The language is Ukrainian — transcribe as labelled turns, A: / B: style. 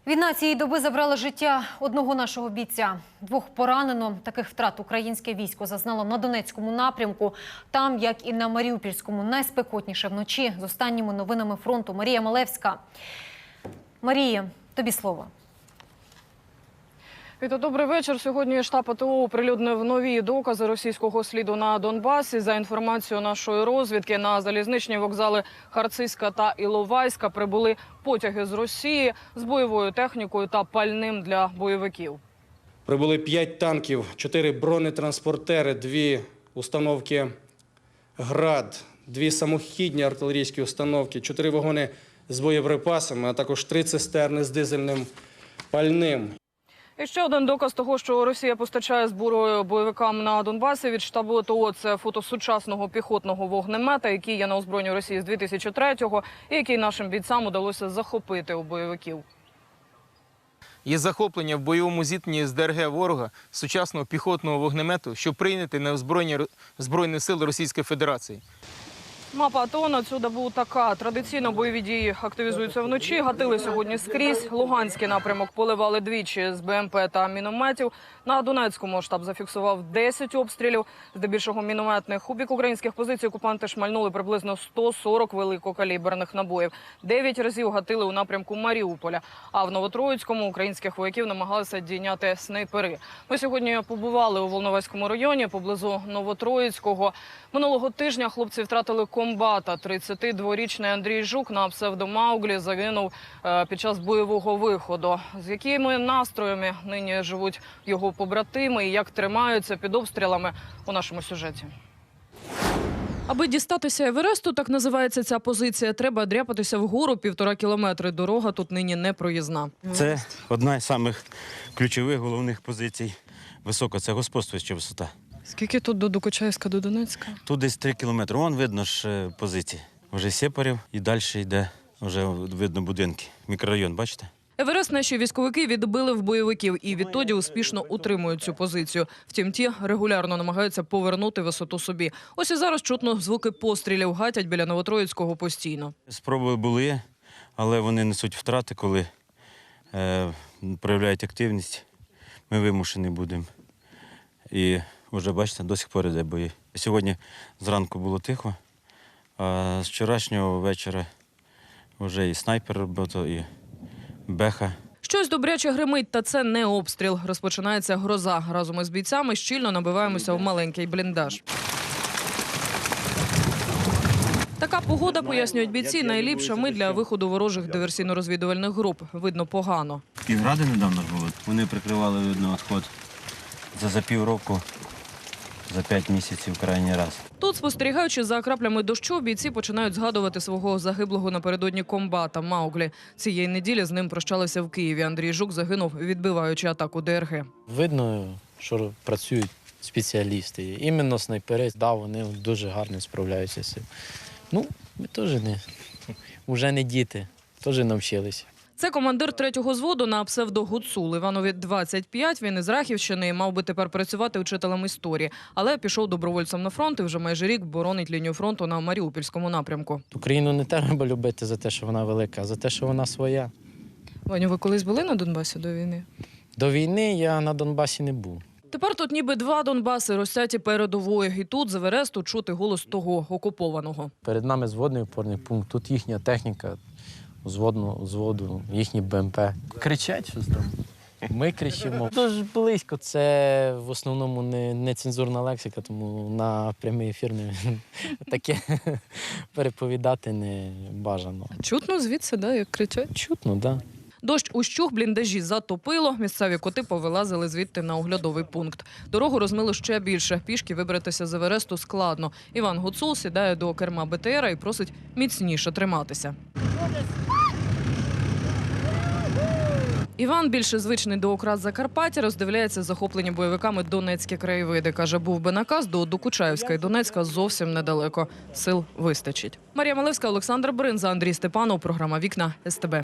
A: Війна цієї доби забрала життя одного нашого бійця. 2 поранено. Таких втрат українське військо зазнало на Донецькому напрямку. Там, як і на Маріупольському, найспекотніше вночі. З останніми новинами фронту Марія Малевська. Марія, тобі слово.
B: Віта, добрий вечір. Сьогодні штаб АТО оприлюднив нові докази російського сліду на Донбасі. За інформацією нашої розвідки, на залізничні вокзали Харциська та Іловайська прибули потяги з Росії з бойовою технікою та пальним для бойовиків.
C: Прибули 5 танків, 4 бронетранспортери, 2 установки «Град», 2 самохідні артилерійські установки, 4 вагони з боєприпасами, а також 3 цистерни з дизельним пальним.
B: І ще один доказ того, що Росія постачає зброю бойовикам на Донбасі від штабу АТО – це фото сучасного піхотного вогнемета, який є на озброєнні Росії з 2003-го і який нашим бійцям удалося захопити у бойовиків.
D: Є захоплення в бойовому зіткненні з ДРГ ворога сучасного піхотного вогнемету, що прийнятий на озброєння Збройних сил Російської Федерації.
B: Мапа АТО на цю добу така. Традиційно бойові дії активізуються вночі, гатили сьогодні скрізь. Луганський напрямок поливали двічі з БМП та мінометів. На Донецькому штаб зафіксував 10 обстрілів, здебільшого мінометних. У бік українських позицій окупанти шмальнули приблизно 140 великокаліберних набоїв. 9 разів гатили у напрямку Маріуполя. А в Новотроїцькому українських вояків намагалися дійняти снайпери. Ми сьогодні побували у Волноваському районі, поблизу Новотроїцького. Минулого тижня хлопці втратили комбата. 32-річний Андрій Жук на псевдо Мауглі загинув під час бойового виходу. З якими настроями нині живуть його побратими і як тримаються під обстрілами у нашому сюжеті. Аби дістатися Евересту, так називається ця позиція, треба дряпатися вгору 1,5 кілометри. Дорога тут нині не проїзна.
E: Це одна з самих ключових головних позицій. Висока – це господствуюча висота.
B: Скільки тут до Докучаєвська, до Донецька?
E: Тут десь 3 кілометри. Вон видно ж позиції. Вже Сєпарів і далі йде, вже видно будинки. Мікрорайон, бачите?
B: Еверест наші військовики відбили в бойовиків і відтоді успішно утримують цю позицію. Втім, ті регулярно намагаються повернути висоту собі. Ось і зараз чутно звуки пострілів, гатять біля Новотроїцького постійно.
E: Спроби були, але вони несуть втрати, коли проявляють активність. Ми вимушені будемо. І вже, бачите, до сих пор йде бої. Сьогодні зранку було тихо, а з вчорашнього вечора вже і снайпер робив, і беха.
B: Щось добряче гримить, та це не обстріл. Розпочинається гроза. Разом із бійцями щільно набиваємося в маленький бліндаж. Така погода, пояснюють бійці, найліпша мить для виходу ворожих диверсійно-розвідувальних груп. Видно погано.
E: Київради недавно ж були. Вони прикривали, видно, відход за півроку, за 5 місяців крайній раз.
B: Тут, спостерігаючи за краплями дощу, бійці починають згадувати свого загиблого напередодні комбата Мауглі. Цієї неділі з ним прощалися в Києві. Андрій Жук загинув, відбиваючи атаку ДРГ.
F: Видно, що працюють спеціалісти. Іменно снайпери, да, вони дуже гарно справляються з цим. Ну, ми теж вже не діти, теж навчилися.
B: Це командир 3-го взводу на псевдо Гуцул. Іванові 25, він із Рахівщини, мав би тепер працювати вчителем історії. Але пішов добровольцем на фронт і вже майже рік боронить лінію фронту на Маріупольському напрямку.
F: Україну не треба любити за те, що вона велика, а за те, що вона своя.
B: Ваню, ви колись були на Донбасі до війни?
F: До війни я на Донбасі не був.
B: Тепер тут ніби 2 Донбаси розсяті передової. І тут з Евересту чути голос того окупованого.
F: Перед нами зводний опорний пункт, тут їхня техніка, зводу, їхні БМП. Кричать щось там. Ми кричимо. Дуже близько. Це в основному не нецензурна лексика, тому на прямий ефір таке переповідати не бажано.
B: Чутно звідси, да, як кричать?
F: Чутно, так. Да.
B: Дощ ущух, бліндажі затопило. Місцеві коти повилазили звідти на оглядовий пункт. Дорогу розмило ще більше. Пішки вибратися з Евересту складно. Іван Гуцул сідає до керма БТРа і просить міцніше триматися. Іван, більше звичний до окрас Закарпаття, роздивляється захоплені бойовиками донецькі краєвиди. Каже, був би наказ, до Докучаєвська і Донецька зовсім недалеко. Сил вистачить. Марія Малевська, Олександр Бринза, Андрій Степанов. Програма «Вікна» СТБ.